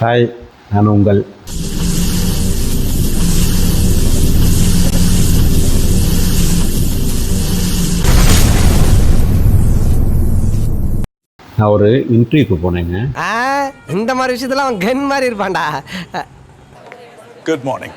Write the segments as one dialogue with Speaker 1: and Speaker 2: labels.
Speaker 1: Hi, நான் உங்கள் நான் ஒரு இன்டர்வியூக்கு போனேங்க.
Speaker 2: இந்த மாதிரி விஷயத்துல அவன் கன் மாதிரி இருப்பான்டா.
Speaker 3: Good morning.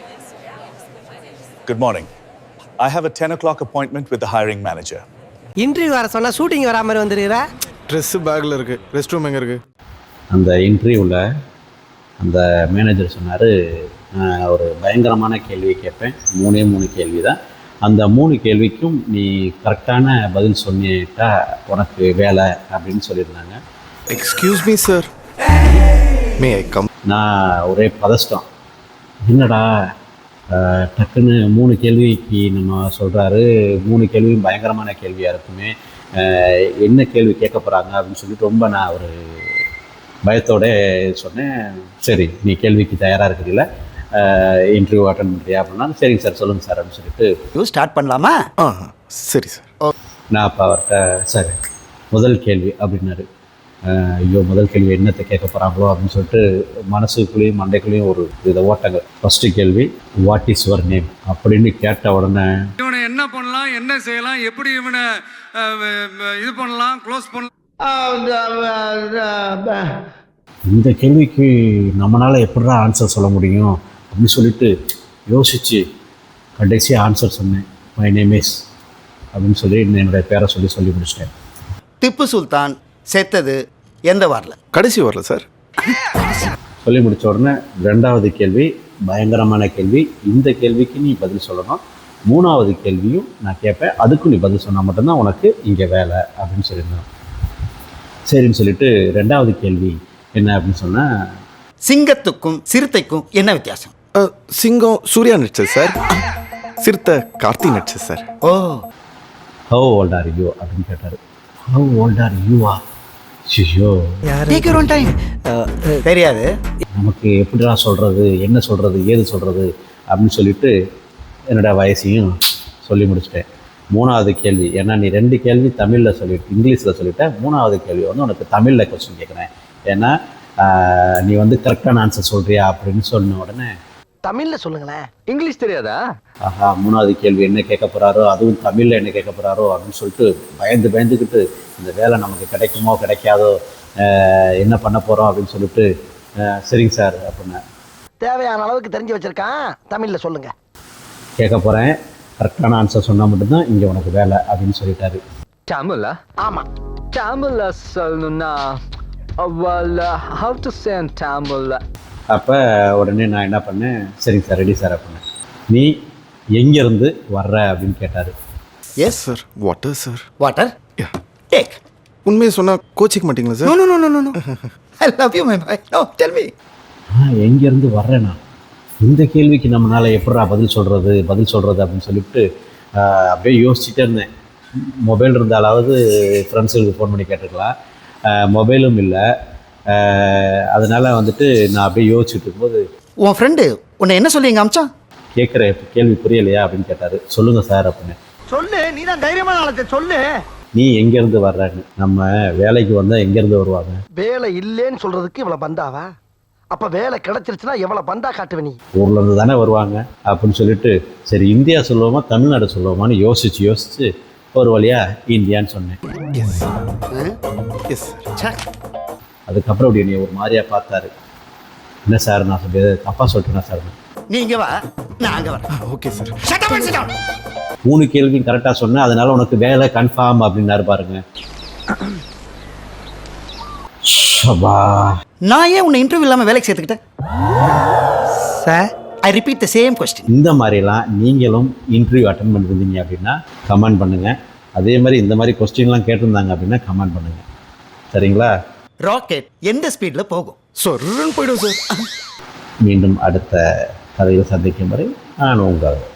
Speaker 3: Good morning. I have a 10 o'clock appointment with the hiring manager.
Speaker 2: Interview வர சொன்னா ஷூட்டிங் வரா மாதிரி வந்துருக்கிறா.
Speaker 4: ட்ரெஸ் பேக்கில் இருக்குது. ரெஸ்ட் ரூம் எங்கே இருக்குது?
Speaker 1: அந்த இன்டர்வியூவில் அந்த மேனேஜர் சொன்னார், ஒரு பயங்கரமான கேள்வி கேட்பேன், 3 கேள்வி தான். அந்த 3 கேள்விக்கும் நீ கரெக்டான பதில் சொன்னிட்டா உனக்கு வேலை அப்படின்னு சொல்லியிருந்தாங்க.
Speaker 4: Excuse me sir, may I come?
Speaker 1: நான் ஒரே பதஷ்டம், என்னடா டக்குன்னு 3 கேள்விக்கு நம்ம சொல்கிறாரு, 3 கேள்வியும் பயங்கரமான கேள்வியாக இருக்குமே, என்ன கேள்வி கேட்க போகிறாங்க அப்படின்னு சொல்லிட்டு ரொம்ப நான் ஒரு பயத்தோடு சொன்னேன். சரி, நீ கேள்விக்கு தயாராக இருக்கிறீங்களா, இன்டர்வியூ அட்டன் பண்ணுறியா அப்படின்னா, சரிங்க சார் சொல்லுங்கள் சார் அப்படின்னு சொல்லிட்டு
Speaker 2: ஸ்டார்ட் பண்ணலாமா?
Speaker 4: சரி சார்.
Speaker 1: நான் அப்போ அவர்கிட்ட சார் முதல் கேள்வி அப்படின்னாரு. ஐயோ, முதல் கேள்வி என்னத்தை கேட்க போகிறாங்களோ அப்படின்னு சொல்லிட்டு மனசுக்குள்ளேயும் மண்டைக்குள்ளேயும் ஒரு வித ஓட்டங்கள். ஃபஸ்ட்டு கேள்வி, வாட் இஸ் யுவர் நேம் அப்படின்னு கேட்ட உடனே
Speaker 5: இவனை என்ன பண்ணலாம், என்ன செய்யலாம், எப்படி இவனை இது பண்ணலாம், க்ளோஸ் பண்ணலாம்.
Speaker 1: இந்த கேள்விக்கு நம்மளால் எப்படிடா ஆன்சர் சொல்ல முடியும் அப்படின்னு சொல்லிட்டு யோசித்து கடைசியாக ஆன்சர் சொன்னேன். மை நேம் இஸ் அப்படின்னு சொல்லி என்னுடைய பேரை சொல்லி முடிச்சிட்டேன்.
Speaker 6: திப்பு சுல்தான் செத்தது எந்த வாரில்?
Speaker 4: கடைசி வரல சார்.
Speaker 1: சொல்லி முடித்த உடனே 2வது கேள்வி பயங்கரமான கேள்வி, இந்த கேள்விக்கு நீ பதில் சொல்லணும், 3வது கேள்வியும் நான் கேட்பேன், அதுக்கும் நீ பதில் சொன்னால் மட்டும்தான் உனக்கு இங்கே வேலை அப்படின்னு சொல்லியிருந்தேன். சரின்னு சொல்லிட்டு 2வது கேள்வி என்ன அப்படின்னு சொன்னால்,
Speaker 6: சிங்கத்துக்கும் சிறுத்தைக்கும் என்ன வித்தியாசம்?
Speaker 4: சிங்கம் சூர்யா நடிச்சது சார், சிறுத்தை கார்த்தி நடிச்சது sir.
Speaker 6: Oh,
Speaker 1: how old are you அப்படின்னு கேட்டார். ஹவ் ஓல்ட் ஆர் யூவா? ஐயோ,
Speaker 6: டேக் யுவர் ஓன் டைம். தெரியாது,
Speaker 1: நமக்கு எப்படிடா சொல்கிறது, என்ன சொல்கிறது, ஏது சொல்கிறது அப்படின்னு சொல்லிட்டு என்னோடய வயசையும் சொல்லி முடிச்சிட்டேன். 3வது கேள்வி, ஏன்னா நீ 2 கேள்வி தமிழில் சொல்லிட்டு இங்கிலீஷில் சொல்லிட்டேன், 3வது கேள்வி வந்து உனக்கு தமிழில் கொஸ்டின் கேட்குறேன், ஏன்னா நீ வந்து கரெக்டான ஆன்சர் சொல்கிறியா அப்படின்னு சொன்ன உடனே
Speaker 2: தமிழ்ல சொல்லுங்களேன், இங்கிலீஷ் தெரியாதா?
Speaker 1: ஆஹா, 3வது கேள்வி என்ன கேட்க போகிறாரோ, அதுவும் தமிழில் என்ன கேட்க போகிறாரோ அப்படின்னு சொல்லிட்டு பயந்துக்கிட்டு இந்த வேலை நமக்கு கிடைக்குமோ கிடைக்காதோ, என்ன பண்ண போகிறோம் அப்படின்னு சொல்லிட்டு சரிங்க சார் அப்படின்னா,
Speaker 2: தேவையான அளவுக்கு தெரிஞ்சு வச்சிருக்கான், தமிழ்ல சொல்லுங்க.
Speaker 1: கேட்க போகிறேன், கரெக்டான ஆன்சர் சொன்னால் மட்டும்தான் இங்கே உனக்கு வேலை அப்படின்னு சொல்லிட்டாரு.
Speaker 7: தமிழ்ல?
Speaker 2: ஆமா,
Speaker 7: தமிழ்ல சொல்லணும்னா how to say in தமிழ்ல?
Speaker 1: அப்போ உடனே நான் என்ன பண்ணேன், சரிங்க சார் ரெடி சார் அப்படின்னேன். நீ எங்கேருந்து வர்ற அப்படின்னு கேட்டார்.
Speaker 6: Yes
Speaker 4: sir, water sir.
Speaker 6: Water take.
Speaker 4: உண்மையை சொன்னால் கோச்சிக்க மாட்டீங்களா sir?
Speaker 6: No no no no no, I love you my boy. No, tell me.
Speaker 1: எங்கேருந்து வர்றேன்னா, இந்த கேள்விக்கு நம்மளால் எப்படா பதில் சொல்கிறது அப்படின்னு சொல்லிவிட்டு அப்படியே யோசிச்சுட்டே இருந்தேன். மொபைல் இருந்தாலாவது ஃப்ரெண்ட்ஸுக்கு ஃபோன் பண்ணி கேட்டுக்கலாம், மொபைலும் இல்லை. அதனால் வந்துட்டு நான் அப்படியே யோசிச்சுட்டு இருக்கும்போது,
Speaker 6: உன் ஃப்ரெண்டு உன்னை என்ன சொல்லி எங்க அமிச்சான்?
Speaker 1: கேட்குற கேள்வி புரியலையா அப்படின்னு கேட்டார். சொல்லுங்கள் சார் அப்படின்னு.
Speaker 2: சொல்லு, நீ தான் தைரியமான ஆளத்தை சொல்லு.
Speaker 1: நீ எங்கேருந்து வர்றன்னு, நம்ம வேலைக்கு வந்தால் எங்கேருந்து வருவாங்க?
Speaker 2: வேலை இல்லைன்னு சொல்றதுக்கு இவ்வளவு பந்தாவா? அப்ப வேலை கிடைச்சிருச்சுன்னா எவ்வளவு பந்தா காட்டுவ நீ?
Speaker 1: ஊர்லேருந்து தானே வருவாங்க அப்படின்னு சொல்லிட்டு, சரி இந்தியா சொல்லுவோமா தமிழ்நாடு சொல்லுவோமான்னு யோசிச்சு ஒரு வழியாக இந்தியான்னு சொன்னேன்.
Speaker 4: Yes sir.
Speaker 1: அதுக்கப்புறம் அப்படி நீ ஒரு மாதிரியாக பார்த்தாரு. என்ன சார் நான் சொல்லி தப்பாக சொல்லிட்டேனா சார்?
Speaker 6: நீ இங்க வா, நான் அங்க வரேன்.
Speaker 4: Okay sir.
Speaker 6: Shut up and sit down.
Speaker 1: 3 கேள்வியும் கரெக்டாக சொன்னேன், அதனால உனக்கு வேலை கன்ஃபார்ம் அப்படின்னாரு பாருங்க. சபா,
Speaker 6: நான் ஏன் உன்னை இன்டர்வியூ இல்லாம வேலைக்கு சேர்த்துக்கிட்டேன் sir? I repeat the same question.
Speaker 1: இந்த மாதிரிலாம் நீங்களும் இன்டர்வியூ அட்டன் பண்ணிருந்தீங்க அப்படின்னா கமெண்ட் பண்ணுங்கள். அதே மாதிரி இந்த மாதிரி கொஸ்டின்லாம் கேட்டிருந்தாங்க அப்படின்னா கமெண்ட் பண்ணுங்கள், சரிங்களா?
Speaker 6: ராக்கெட் எந்த ஸ்பீட்ல போகும்?
Speaker 4: சொருன்னு போயிடும் சார்.
Speaker 1: மீண்டும் அடுத்த கதையில் சந்திக்கும் வரை நான் உங்கள்